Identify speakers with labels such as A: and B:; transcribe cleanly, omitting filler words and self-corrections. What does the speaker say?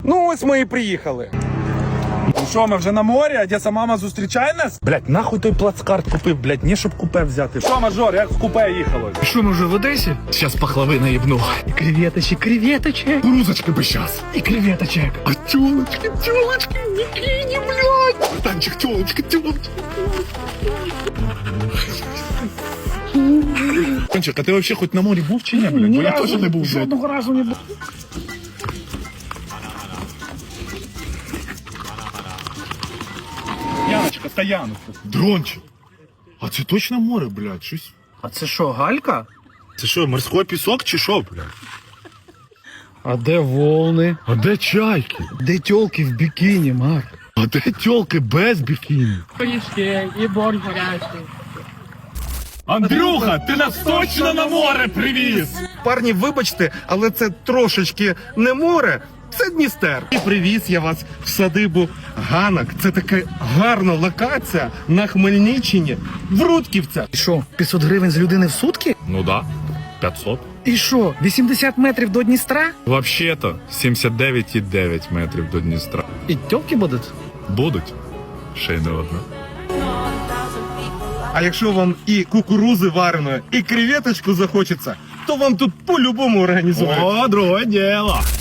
A: Ну ось ми і приїхали.
B: Ну що, ми вже на морі, Одеса мама зустрічає нас?
C: Блять, нахуй той плацкарт купив, блять, не щоб купе взяти.
B: Що, мажор, як в купе їхало?
D: Що, ми вже в Одесі? Сейчас пахлави наїбну. Креветочек, креветочек. Грузочки бы сейчас. И креветочек. А тёлочки, в бикини, блядь. Братанчик, тёлочка. Кончик, а ти вообще хоть на морі був чи ні, блядь? Бо я теж не був, блядь.
B: Жодного разу не був. Яночка, стояночка.
D: Дрончик. А це точно море, блядь, щось.
A: А це що, галька?
D: Це що, морський пісок чи що, блядь?
A: А де волни?
D: А де чайки?
A: Де тьолки в бікіні, Марк?
D: А де тёлки без бікіні?
E: Пиріжки і борщ гарячий.
D: Андрюха, ти нас точно на море привіз!
A: Парні, вибачте, але це трошечки не море, це Дністер. І привіз я вас в садибу Ганок. Це така гарна локація на Хмельниччині, в Рудківцях. І що, 500 гривень з людини в сутки?
D: Ну да, 500.
A: І що, 80 метрів до Дністра?
D: Вообще-то 79,9 метрів до Дністра.
A: І тьолки будуть?
D: Будуть. Ще й не одна.
A: А якщо вам і кукурузи вареної, і креветочку захочеться, то вам тут по-любому організують.
D: О, друге діло.